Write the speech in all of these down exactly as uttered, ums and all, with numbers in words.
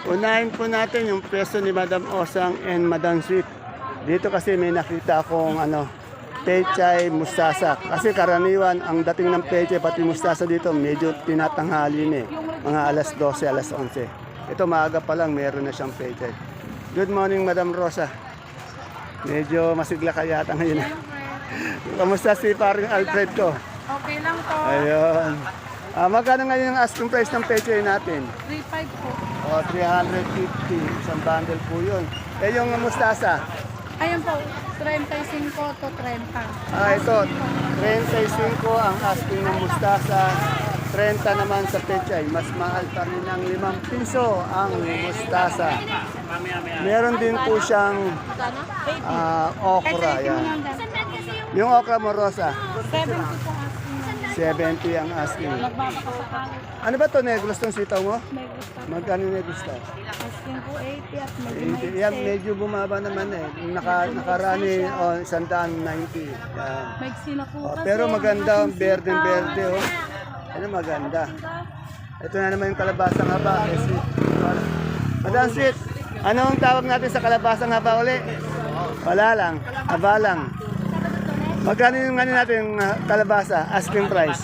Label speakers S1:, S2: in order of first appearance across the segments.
S1: Unahin po natin yung pwesto ni Madam Osang and Madam Sweet. Dito kasi may nakita akong ano, pechay mustasa. Kasi karaniwan, ang dating ng pechay pati mustasa dito, medyo tinatanghali na eh. Mga alas dose, alas onse. Ito maaga pa lang, meron na siyang pechay. Good morning, Madam Rosa. Medyo masigla ka yata ngayon. Kamusta si paring Alfred ko?
S2: Okay lang po.
S1: Ayun. Ah, magkano ngayon ang asking price ng pechay natin?
S2: three five po.
S1: O, three hundred fifty. Isang bundle po yun. Eh, yung mustasa?
S2: Ayun po, thirty-five to thirty.
S1: Ah, ito. thirty-five ang asking ng mustasa. thirty naman sa pechay. Mas mahal pa rin ng limang piso ang mustasa. Meron din po siyang ah, okra. Yan. Yung okra mo, Rosa?
S2: seventy po asking.
S1: seventy ang asking.
S2: Nagbabaka
S1: Ano ba to negros tong sitaw mo?
S2: May gusto.
S1: Magkano negros to?
S2: Asking po eighty at medyo
S1: Hindi,
S2: may
S1: yan, medyo bumaba naman eh. Naka, nakarani, oh, sandaan ninety. Yan.
S2: May na po
S1: Oh,
S2: kasi.
S1: pero maganda,
S2: ang
S1: ang
S2: ating
S1: berde-berde
S2: sitaw.
S1: oh. Ano maganda. Ito na naman yung kalabasang haba. Eh, sweet. Madam Sweet, anong tawag natin sa kalabasang haba uli? Wala lang, haba lang. Magkano yung ano natin uh, kalabasa, asking price?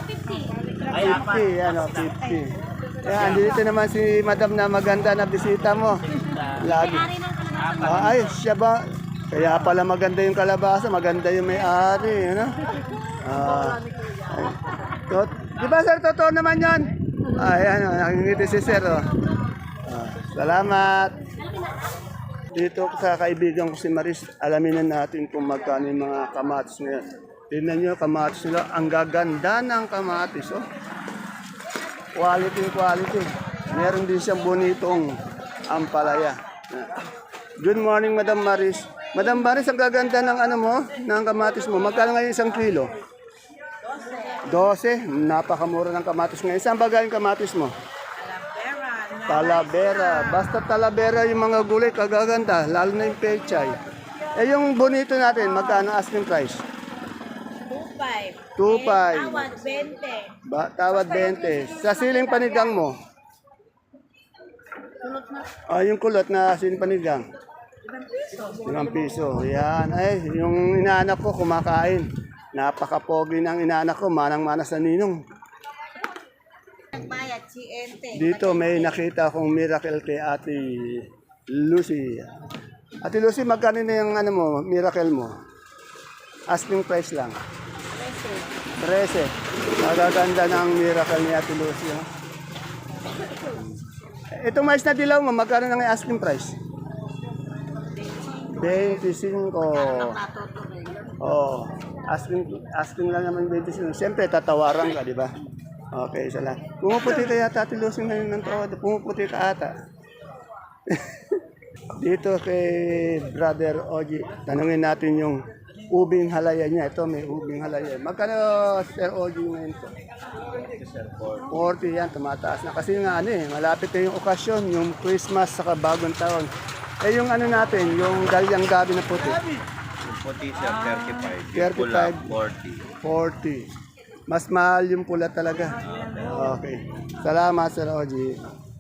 S1: fifty, ano, fifty. Yan, dito naman si Madam na maganda na bisita mo. Lagi. Ah, ay, siya ba? Kaya pala maganda yung kalabasa, maganda yung may-ari, ano? Ah, ay. Tot, di ba sir, totoo naman yan? Ay, ano, nakingiti si sir, oh. Ah, salamat. Dito sa kaibigan ko si Maris, alamin na natin kung magkano yung mga kamatis ngayon. Tingnan nyo, kamatis nila. Ang gaganda ng kamatis. Oh. Quality, quality. Meron din siyang bonitong ampalaya. Good morning, Madam Maris. Madam Maris, ang gaganda ng ano mo, ng kamatis mo. Magkano ngayon isang kilo? Dose. Napakamura ng kamatis ngayon. Saan ba galing kamatis mo? Talavera. Basta Talavera yung mga gulay, kagaganda. Lalo na yung pechay. Eh yung bonito natin, magkano asking price?
S3: two five.
S1: two five.
S3: Tawad, twenty.
S1: Ba, tawad twenty. Sa siling panigang mo? Ah, yung kulot na siling panigang? Limang piso. Yan. Ay, yung inaanak ko kumakain. Napaka-pogi ng inaanak ko. Manang-mana sa ninong.
S3: Nagbayad, si Ente.
S1: Dito may nakita akong miracle kay Ate Lucy. Ate Lucy, magkano na yung ano mo, miracle mo? Asking price lang. trese. Magaganda ng miracle ni Ate Lucy. Oh. Itong mais na dilaw mo, magkano na yung asking price? twenty-five. Oh, asking asking lang naman twenty-five. Siyempre tatawaran ka, di ba? Okay, isa lang. Pumuputi ka yata, Ate Lucy na yun ng tawad. Pumuputi ka ata. Dito kay Brother Oji, tanungin natin yung ubing halaya niya. Ito may ubing halaya. Magkano, Sir Oji, ngayon po? forty yan, tumataas na. Kasi nga ano eh, malapit na yung okasyon, yung Christmas saka bagong taon. Eh yung ano natin, yung dalyang gabi na puti.
S4: Yung puti sir, thirty-five. Yung
S1: thirty-five.
S4: pula, forty.
S1: forty. Mas mahal yung pula talaga. Okay. Salamat, Sir Oji.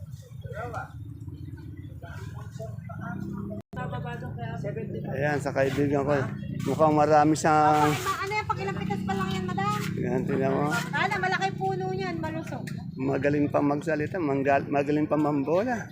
S1: Ayan, sa kaibigan ko. Mukhang marami siyang...
S3: Ano yan, pag ilang pitas pa lang yan, madam?
S1: Ayan, tingnan mo.
S3: Ana, malaki puno niyan, malusog.
S1: Magaling pa magsalita, manggal, magaling pa mambola.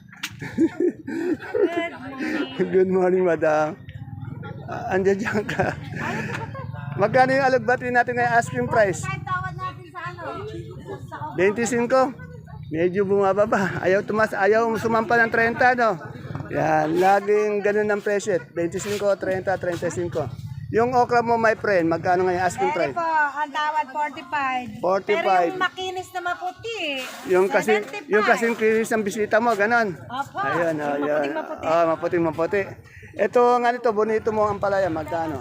S1: Good morning, madam. Uh, andiyan dyan ka. Magkano yung alugbati natin ngayon asking price?
S3: Kahit tawad natin sa ano? Sa
S1: twenty-five. Medyo bumababa. Ayaw tumas, ayaw sumampa ng thirty, no? Yan, laging ganun ang presyo. twenty-five, thirty, thirty-five. Yung okra mo, my friend, magkano ngayon asking
S3: Pwede
S1: price?
S3: po, ang tawad forty-five.
S1: forty-five.
S3: Pero yung makinis na maputi,
S1: Yung kasi
S3: seventy-five.
S1: yung kasing kinis ng bisita mo, ganun.
S3: Opo.
S1: Ayun,
S3: Yung
S1: ayun.
S3: maputing-maputi.
S1: Ah, maputing maputi. Ito nga nito, bonito mo ang palaya, magkano?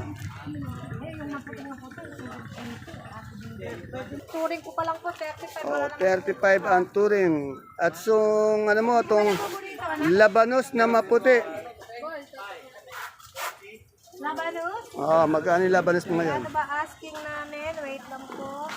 S3: Turing ko pa lang po, thirty-five.
S1: Oh, thirty-five ang turing. At so, ano mo, tong labanos na maputi.
S3: Labanos?
S1: Oh, magkano yung labanos mo ngayon?
S3: Ano ba asking namin? Wait lang po.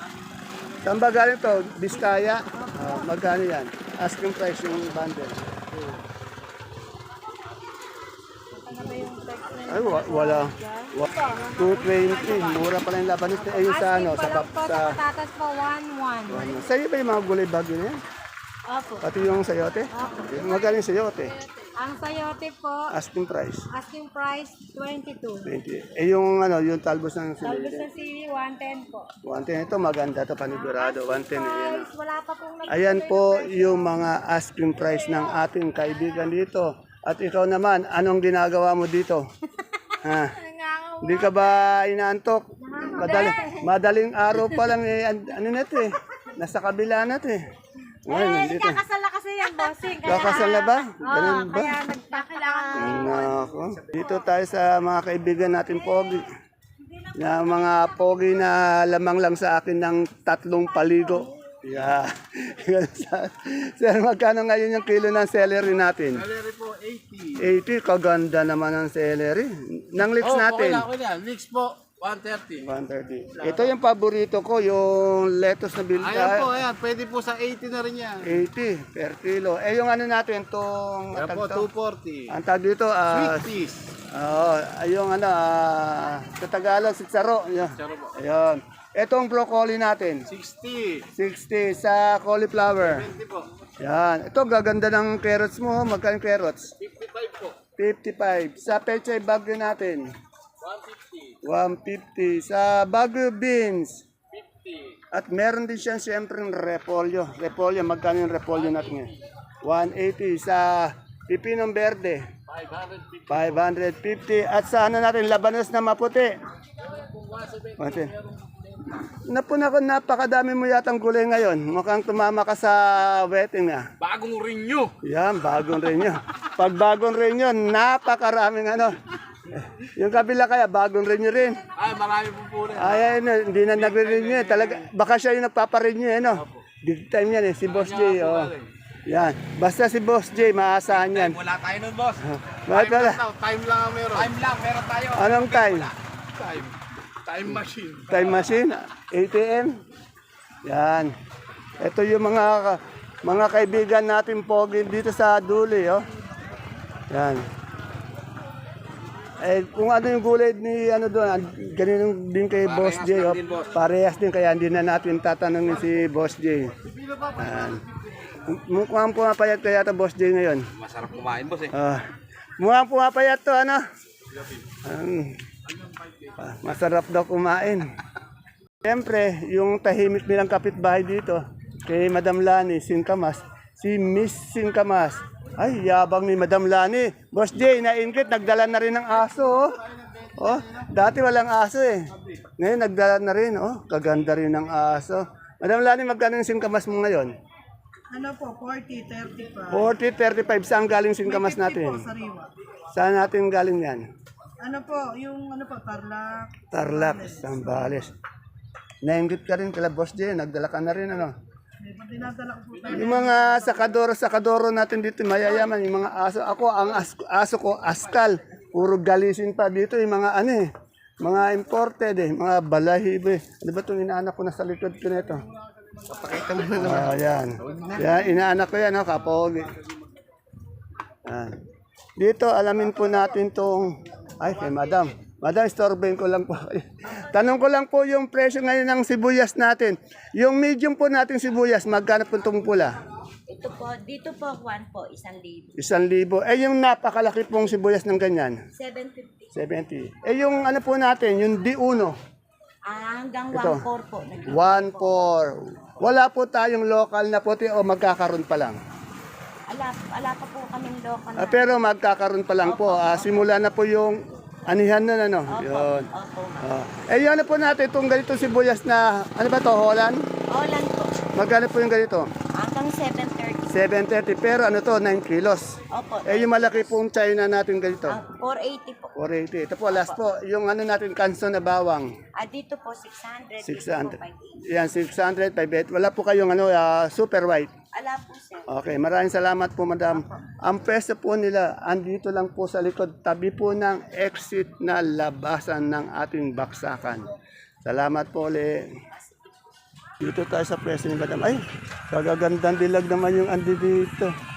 S1: Saan ba galing to? Biskaya? Oh, magkano yan? Asking price yung bundle. Ay, wa- wala. Wa- two twenty. Mura pala yung labanos. Eh, yung sa ano, sa,
S3: Asking pa lang
S1: pap-
S3: po
S1: sa,
S3: sa patatas po, one one.
S1: ano. Sa'yo ba yung mga gulay bagyo na yan?
S3: Opo.
S1: Pati yung sayote? Magaling sayote.
S3: Ang sayote po,
S1: Asking price.
S3: asking price, twenty-two.
S1: twenty. Eh, yung ano, yung talbos ng
S3: Talbos
S1: sili.
S3: na sili, one ten po.
S1: one ten ito, maganda to panigurado. one ten yan.
S3: Price, wala pa pong nag-
S1: Ayan po yung mga asking price ng ating kaibigan dito. At ikaw naman, anong ginagawa mo dito? Ha? Hindi ka ba inaantok? Madaling, madaling araw pa lang eh, an- ano na ito eh. Nasa kabila na ito eh. Ngayon,
S3: Eh,
S1: nandito.
S3: kakasala kasi yan, bossing. Kaya,
S1: Kakasal na ba?
S3: Oo,
S1: Ganun ba?
S3: kaya nagpakailangan.
S1: Nako. Dito tayo sa mga kaibigan natin pogi. Na mga pogi na lamang lang sa akin ng tatlong paligo. Yeah. Sir, magkano ngayon yung kilo ng celery natin?
S5: Celery po, eighty.
S1: eighty, kaganda naman ang celery. Nang lips
S5: Oh,
S1: natin.
S5: okay lang, okay lang. Mix po, one thirty.
S1: one thirty. Ito yung paborito ko, yung lettuce na bilta.
S5: Ayan po, ayan. Pwede po sa eighty na rin yan.
S1: eighty per kilo. Eh yung ano natin, itong
S5: Ayan po, two forty.
S1: ang tag dito, ah,
S5: Sweet peas.
S1: oo, ay yung ano, ah, sa Tagalog, sitsaro. Ayun.
S5: Saro po.
S1: Ayun. Itong broccoli natin,
S5: sixty.
S1: sixty sa cauliflower.
S5: twenty po.
S1: Yan. Ito, gaganda ng carrots mo. Magkano yung carrots?
S5: fifty-five po.
S1: fifty-five. Sa pechay bagyo natin,
S5: one fifty.
S1: one fifty. Sa bagyo beans.
S5: fifty.
S1: At meron din siya siyempre ng repolyo. Repolyo, magkano yung repolyo natin ngayon? one eighty. Sa pipinong berde,
S5: five hundred fifty.
S1: five fifty. At sa ano natin, labanos na maputi. Mati. Napuna ko, napakadami mo yatang gulay ngayon. Mukhang tumama ka sa wedding ah.
S5: Bagong renew.
S1: Yan, bagong rin yun. Pag bagong rin yun, napakaraming ano. Yung kabila kaya, bagong rin yun rin.
S5: Ay, marami po po rin.
S1: Ay, ano, hindi na nagre-renew eh. Talaga, baka siya yung nagpaparenew eh, no? Big time yan eh, si Boss J. Oh. Yan, basta si Boss J, maasahan yan.
S5: Wala tayo nun, boss.
S1: Bakit
S5: Time
S1: wala?
S5: lang daw, time lang ang meron. Time lang, meron tayo.
S1: Anong time?
S5: Time. Time machine.
S1: Time machine, A T M. Yan. Ito yung mga mga kaibigan natin pogi dito sa Duli, oh. Yan. Eh, kung ano yung gulay ni ano doon, ganun din kay Boss J, oh. Parehas din, kaya hindi na natin tatanungin si Boss J. Yan. Mukhang pumapayat kaya ito Boss J ngayon.
S5: Masarap kumain, boss eh.
S1: Ah, mukhang pumapayat to, ano? Um, ah, masarap daw kumain. Siyempre, yung tahimik nilang kapitbahay dito, kay Madam Lani, Singkamas, si Miss Singkamas. Ay, yabang ni Madam Lani. Boss J, nainggit, nagdala na rin ng aso. Oh. Oh, dati walang aso eh. Ngayon, nagdala na rin. Oh, kaganda rin ng aso. Madam Lani, magkano yung Singkamas mo ngayon?
S6: Ano po, forty, thirty-five.
S1: forty, thirty-five. Saan galing Singkamas natin?
S6: Sariwa.
S1: Saan natin galing yan?
S6: Ano po, yung ano po, Tarlac.
S1: Tarlac, Zambales. Nainggit ka rin kala Boss J, nagdala ka na rin ano.
S6: May pag dinadala ko po tayo.
S1: Yung mga sakadoro, sakadoro natin dito, mayayaman, yung mga aso. Ako, ang as, aso ko, askal. Puro galisin pa dito, yung mga ano eh. Mga imported eh, mga balahibo eh. Ano ba itong inaanak ko na sa likod ko nito? Papakita mo na naman. Ah, yan. Yan, inaanak ko yan, oh, kapogi. Yan. Dito, alamin po natin tong, ay, kay Madam. Madam, istorbahin ko lang po. Tanong ko lang po yung presyo ngayon ng sibuyas natin. Yung medium po natin sibuyas, magkano po itong pula?
S7: Ito po, dito po, one po, isang libo.
S1: Isang libo. Eh, yung napakalaki pong sibuyas ng ganyan,
S7: seven fifty.
S1: seventy. Eh, yung ano po natin, yung D uno,
S7: Ah, hanggang
S1: Ito.
S7: one four po.
S1: one four. Wala po tayong local na puti o magkakaroon pa lang.
S7: Ala, ala pa po kaming local
S1: Ah,
S7: na.
S1: pero magkakaroon pa lang po. Ah, simula na po yung anihan nun, ano? Yun.
S7: Opo.
S1: Ah. Eh, yun ano po natin, itong ganito sibuyas na, ano ba to, Holland?
S7: Holland po.
S1: Magkano po yung ganito?
S7: Hanggang seven thirty.
S1: seven thirty, pero ano to, nine kilos.
S7: Opo.
S1: Eh, yung malaki pong China natin ganito,
S7: Ah, four eighty po.
S1: four eighty. Ito po, last po, yung ano natin, kanso na bawang,
S7: Ah, dito po, six hundred.
S1: six
S7: Dito
S1: hundred.
S7: po, five eighty.
S1: Yan, six hundred, five eighty. Wala po kayong ano, ah, super white.
S7: Ala po, sir.
S1: Okay, maraming salamat po, madam. Ang pwesto po nila, andito lang po sa likod, tabi po ng exit na labasan ng ating baksakan. Salamat po ulit. Dito tayo sa pwesto ni madam. Ay, kagagandang dilag naman yung andi dito.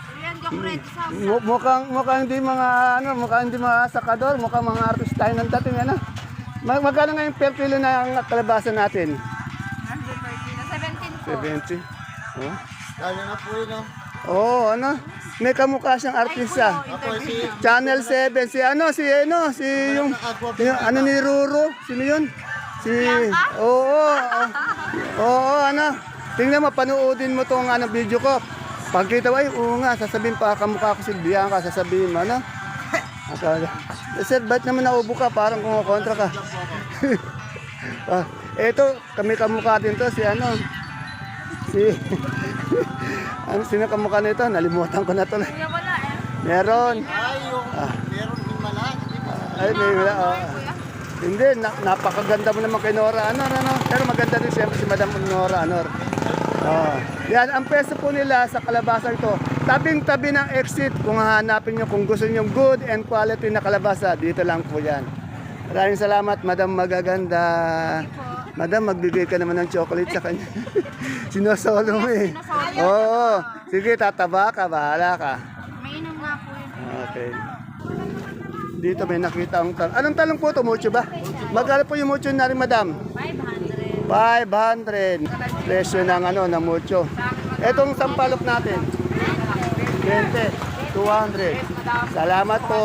S1: Mu- mukhang mukhang hindi mga ano, mukhang hindi mga sakador, mukhang mga artist tayo ng dating ano. Mag magkano ngayon per kilo na ang kalabasa natin?
S3: seventeen po.
S1: seventy. Oh.
S4: Kaya na po yun, no?
S1: Oo, ano? May kamukha siyang artista. Channel seven. Si ano, si ano, si yung, yung ano ni Ruro. Sino yun? Si, oo, oo, oo, ano. Tingnan mo, panoodin mo tong ano, video ko. Pagkita mo, ay, oo nga, sasabihin pa, kamukha ko si Bianca, sasabihin mo, ano? Akala. Eh, sir, ba't naman naubo ka? Parang kumakontra ka. ah, eto, kami kamukha din to, si ano, si, ano, sino kamukha nito? Nalimutan ko na to.
S3: Kuya, wala eh.
S1: Meron.
S4: Ay, yung meron din malaki.
S1: Ay, may wala. Oh. Hindi, na, napakaganda mo naman kay Nora Anor, ano? Pero maganda din siyempre si Madam Nora Anor. Oh. Yan, ang peso po nila sa kalabasa ito, tabing-tabi ng exit. Kung hahanapin nyo, kung gusto nyo good and quality na kalabasa, dito lang po yan. Maraming salamat, Madam Magaganda. Madam, magbigay ka naman ng chocolate sa kanya. Sinosolo mo eh. Oo. Sige, tataba ka, bahala ka.
S3: Mainom nga po yun.
S1: Okay. Dito may nakita ang talong. Anong talong po ito? Mucho ba? Magkano po yung mucho na rin, Madam?
S3: five hundred.
S1: five hundred. Presyo ng ano, ng mucho. Etong sampalok natin? twenty. two hundred. Salamat po.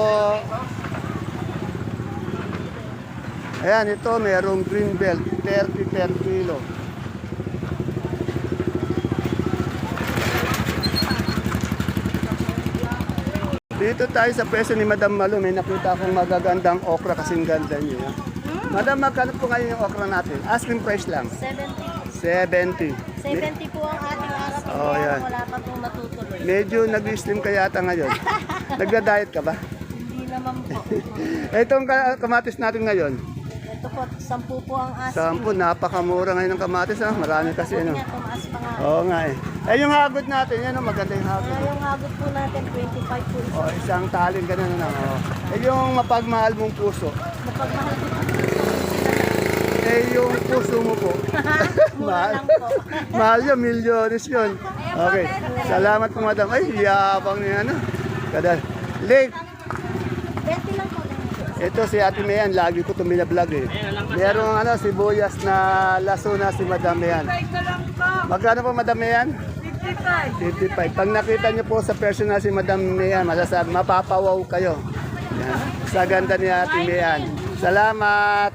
S1: Ayan, ito merong green belt. thirty per kilo. Dito tayo sa presyo ni Madam Malu. May nakita akong magagandang okra kasing ganda niya. Madam, magkano po ngayon yung okra natin? Asking price lang.
S7: seventy.
S1: seventy.
S7: seventy po ang ating arap.
S1: Oh,
S7: Kaya
S1: yan.
S7: wala pa pong matutuloy.
S1: Medyo nag-slim ka yata ngayon. Nagda-diet ka ba?
S7: Hindi naman po.
S1: Itong ka- kamatis natin ngayon.
S7: Ito po, sampu po ang asking.
S1: Sampo, napakamura ngayon ng kamatis. Ha? Marami kasi. Ano?
S7: Niya, tumaas pa nga.
S1: Oo nga eh. Eh yung hagod natin, yan o, maganda yung hagod.
S7: Kaya yung hagot po natin, twenty-five po.
S1: O, isang taling ganun na. Oh. Eh yung mapagmahal mong puso.
S7: Mapagmahal po po.
S1: Eh yung puso mo po.
S7: Mura
S1: mahal.
S7: lang po.
S1: mahal yun, milyones yun. Okay. Salamat po, Madam. Ay, yabang niya ano. Kada. Late.
S7: twenty lang po.
S1: Ito si Ate Mayan, lagi ko itong binablog eh. Merong ano, sibuyas na laso na si Madam Mayan. Magkano po, Madam Mayan?
S6: fifty-five.
S1: fifty-five. Pag nakita niyo po sa personal si Madam Mayan, masasabi, mapapawaw kayo. Yan. Sa ganda ni Ate Mayan. Salamat!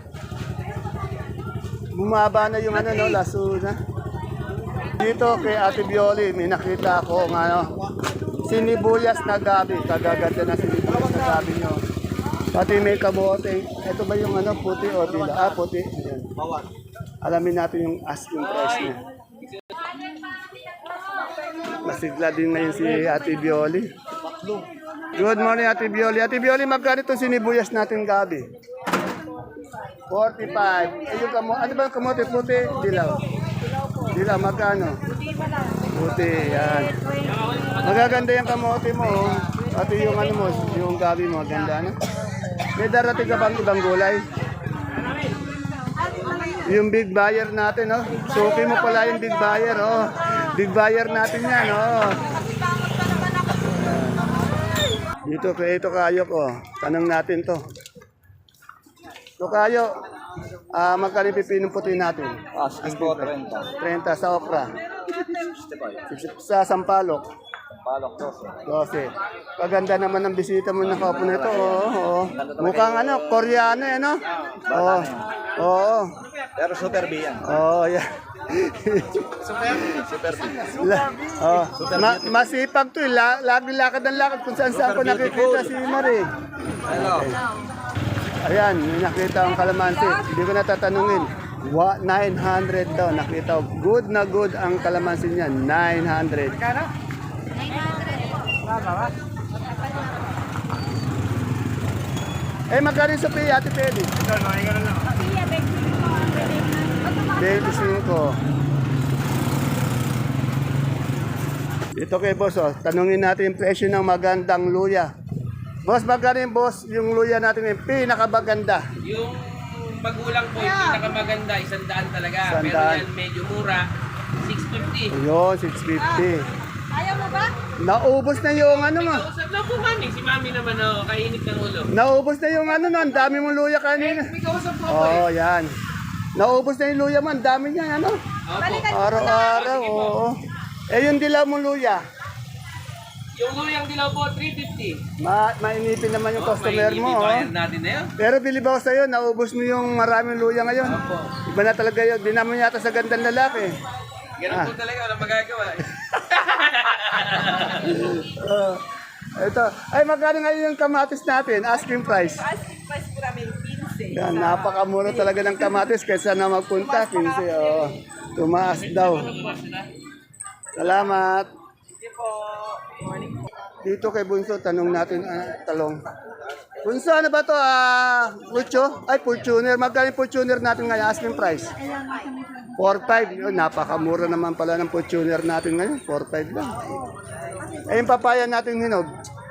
S1: Bumaba na yung ano, no, laso na. Dito kay Ate Bioli, may nakita ako ng ano, sinibuyas na gabi. Kagaganda na sinibuyas na gabi nyo. Pati may kamote. Ito ba yung ano, puti o dila? Ah, puti. Ayan. Alamin natin yung asking price niya. Masigla din ngayon si Ate Bioli. Good morning, Ate Bioli. Ate Bioli, magkano itong sinibuyas natin gabi? forty-five. Eh, yung kamote, ano ba yung kamote? Puti, dilaw. Dilaw, magkano? Puti, yan. Magaganda yung kamote mo. Oh. Pati yung ano mo, yung gabi mo, maganda na. May darating ka bang ibang gulay? Yung big buyer natin, oh. Suki mo pala yung big buyer, oh. Big buyer natin yan, oh. Dito, kaya ito kayo ko. Tanong natin to. Ito kayo, ah, magkano yung pipinong puti natin?
S4: Asking po, thirty.
S1: thirty sa okra.
S4: sixty-five.
S1: Sa sampalok.
S4: Palok, twelve.
S1: twelve. Kaganda naman ng bisita mo na kapo nito. Oo, oo. Mukhang ano, Koreano eh, no? Oo. Oo.
S4: Pero super B yan.
S1: Oo, yan.
S4: Super B.
S1: La, oh. Ma- masipag to eh. La- lagi lakad ng lakad kung saan saan ko nakikita si Marie.
S4: Hello.
S1: Ayan, may nakita ang kalamansi. Hindi ko natatanungin. Wa, nine hundred daw. Nakita ko. Good na good ang kalamansi niya. nine hundred. Eh, magkano yung Sophia, Ate Pedi? twenty-five. Ito kay boss, oh. Tanungin natin yung presyo ng magandang luya. Boss, magkano yung boss yung luya natin yung pinakamaganda?
S8: Yung magulang po, yung pinakamaganda, isang daan talaga. Pero
S1: Isandaan.
S8: yan medyo mura, six fifty.
S1: Ayun, six fifty.
S7: Ayaw mo ba?
S1: Naubos na yung ano mo.
S8: Usap na po kami. Si mami naman oh, kainit ng ulo.
S1: Naubos na yung ano no, ang dami mong luya kanina.
S8: May kausap po ako eh.
S1: Oh, yan. Naubos na yung luya mo, ang dami niya, ano?
S8: Opo.
S1: Araw-araw, oo. Eh, yung dilaw mong luya,
S8: Yung luyang dilaw po, three fifty.
S1: ma mainipin naman yung customer mo, oh.
S8: Bayad natin na yun.
S1: Pero bilib ako sa'yo, naubos mo yung maraming luya ngayon. Iba na talaga yun, di naman yata sa gandang lalaki.
S8: Ganun po talaga, walang magagawa eh.
S1: Oh, ito, ay magkano ngayon yung kamatis natin, asking price?
S6: Asking price po namin, fifteen.
S1: Yan, napakamura talaga ng kamatis kaysa na magpunta, fifteen. Oh, tumaas daw. Salamat. Dito kay Bunso, tanong natin, ah, talong. Bunso, ano ba to? Ah, Pucho? Ay, Fortuner. Magkano yung Fortuner natin ngayon? Asking price? four five. Yun, napakamura naman pala ng Fortuner natin ngayon. four five lang. Eh, yung papaya natin hinog?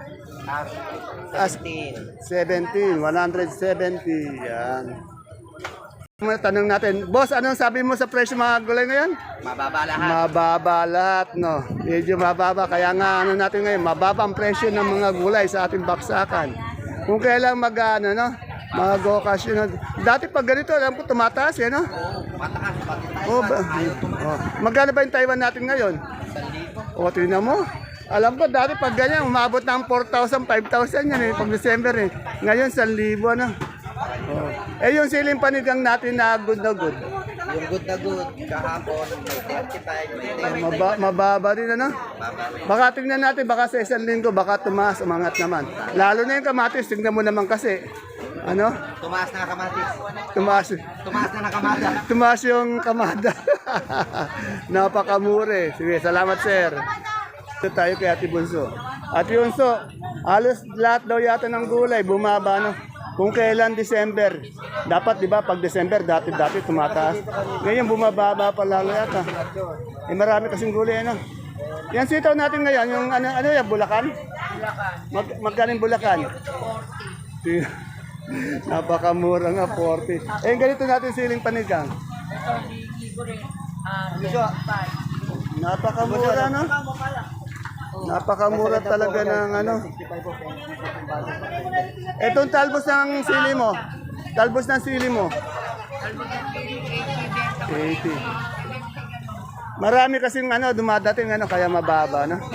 S1: As seventeen. one seventy. Yan. Tanong natin, boss, anong sabi mo sa presyo mga gulay ngayon?
S8: Mababa lahat.
S1: Mababa lahat, no? Medyo mababa. Kaya nga, ano natin ngayon, mababa ang presyo ng mga gulay sa ating baksakan. Kung kailan mag, ano, no? Mag-okasyon. Dati pag ganito, alam ko, tumataas, eh, no? Oh, ba? Oh. Magkano ba yung Taiwan natin ngayon? O, tingnan mo. Alam ko, dati pag ganyan, umabot ng four thousand, five thousand yan, eh, pag December, eh. Ngayon, one thousand, ano? Oh. Eh, yung siling panigang natin na good na good.
S4: Yung good na good, kahapon, thirty-five,
S1: Ah, maba, mababa rin, ano? Baka tingnan natin, baka sa isang linggo, baka tumaas, umangat naman. Lalo na yung kamatis, tingnan mo naman kasi. Ano?
S4: tumaas na kamatis.
S1: Tumaas.
S4: Tumaas na nakamada.
S1: Tumaas yung kamada. Napakamure. Sige, salamat sir. Ito tayo kay Ate Bunso. Ate Bunso, halos lahat daw yata ng gulay, bumaba, no? Kung kailan December, dapat di ba pag December dati-dati tumataas. Ngayon bumababa pa lalo yata. Eh marami kasing gulay ano. Yan sitaw natin ngayon, yung ano ano yan, Bulacan? Mag magkano yung Bulacan? forty. Napakamura nga, forty. Eh yung ganito natin siling panigang. Napakamura, no? Napakamura talaga ng ano. Etong talbos ng sili mo. Talbos ng sili mo. eighty. Marami kasing ano dumadating ano kaya mababa, no?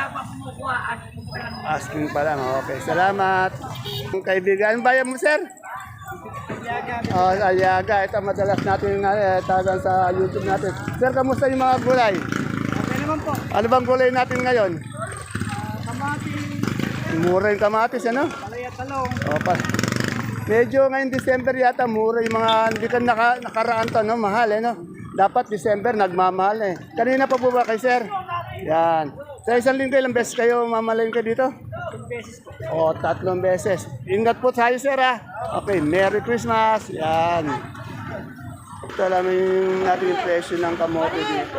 S1: Asking pa lang. Okay, salamat. Ang kaibigan, bayan mo, sir? Oh, Aliaga. Ito madalas natin uh, tawagan sa YouTube natin. Sir, kamusta yung mga gulay?
S6: Okay naman po.
S1: Ano bang gulay natin ngayon?
S6: Kamatis,
S1: Mura yung kamatis, ano?
S6: palaya talong.
S1: O, pa. Medyo ngayong December yata, mura yung mga, hindi ka naka, nakaraan to, no? Mahal, eh, no? Dapat December, nagmamahal, eh. Kanina pa po ba kay sir? Yan. Sa isang linggo, ilang beses kayo mamalayin ka dito? O, tatlong beses. Ingat po tayo, sir, ha? Okay, Merry Christmas. Yan. Ito alam yung natin yung presyo ng kamote dito.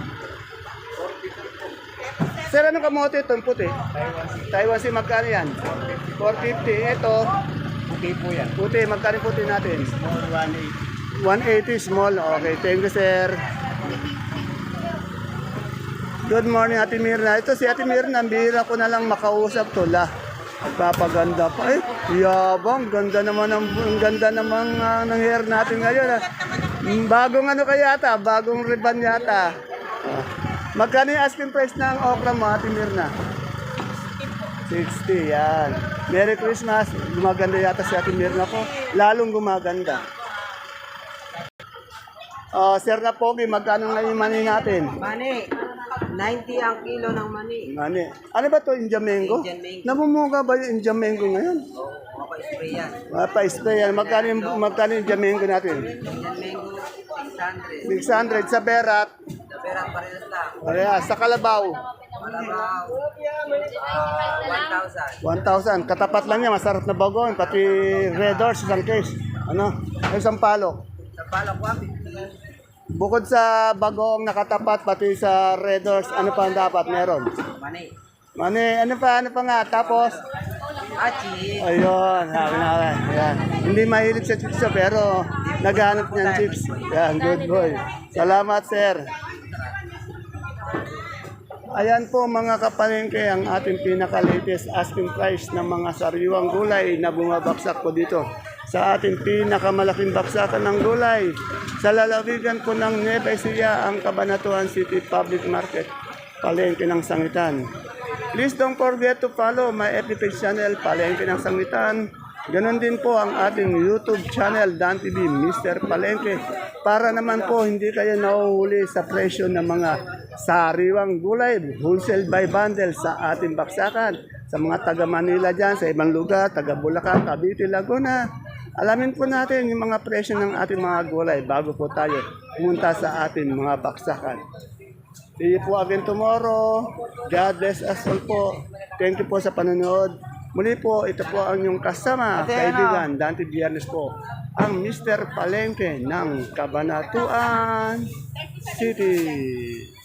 S1: Sir, anong kamote ito? Yung puti? Taiwan Sea, magkano yan? four fifty. Ito,
S4: Okay po yan.
S1: puti, magkano yung puti natin?
S4: one eighty.
S1: one eighty small. Okay, thank you, sir. Good morning, Ate Mirna. Ito si Ate Mirna, bihira ko na lang makausap to. La, nagpapaganda pa. Eh, yabang, ganda naman ang, ang ganda naman uh, ng hair natin ngayon. Ah. Bagong ano kaya yata, bagong ribbon yata. Ah. Magkano yung asking price ng okra mo, Ate Mirna? sixty, yan. Merry Christmas. Gumaganda yata si Ate Mirna ko. Lalong gumaganda. Oh, Sir na Pogi, magkano ngayon yung mani natin?
S6: Mani, ninety ang kilo ng mani.
S1: Mani. Ano ba to Indian mango?
S6: Indian mango.
S1: Namumuga ba yung Indian mango ngayon?
S6: Oo, mapa-spray yan.
S1: Mapa-spray yan. Magkano yung, magkano yung Indian mango natin?
S6: Indian mango, six hundred.
S1: six hundred sa Berat.
S6: Sa perang parehas lang.
S1: Parehas. Sa Kalabaw.
S6: Malabaw, ah, one thousand.
S1: one thousand. Katapat lang yan. Masarap na bagoong. Pati red horse, isang case. Ano? Isang palok.
S6: Sa palak, one fifty.
S1: Bukod sa bagoong nakatapat, pati sa red horse, ano pa ang dapat meron?
S6: Mani.
S1: Mani, ano pa, ano pa nga? Tapos,
S6: Achi.
S1: ayun, sabi na, ayan. Hindi mahilig sa chips siya, pero naghanap niyan chips. Yan, good boy. Salamat, sir. Ayan po mga kapalengke ang ating pinaka-latest asking price ng mga sariwang gulay na bumabaksak po dito sa ating pinakamalaking baksakan ng gulay sa lalawigan po ng Nueva Ecija, ang Cabanatuan City Public Market, Palengke ng Sangitan. Please don't forget to follow my F B page channel, Palengke ng Sangitan. Ganon din po ang ating YouTube channel, Dan T V, Mister Palengke. Para naman po hindi kayo nahuhuli sa presyo ng mga sariwang gulay, wholesale by bundle sa ating baksakan. Sa mga taga Manila dyan, sa ibang lugar, taga Bulacan, Cavite, Laguna. Alamin po natin yung mga presyo ng ating mga gulay bago po tayo pumunta sa ating mga baksakan. See you po again tomorrow. God bless us all po. Thank you po sa panonood. Muli po, ito po ang inyong kasama, kaibigan, Dante Biernes po, ang Mister Palengke ng Cabanatuan City.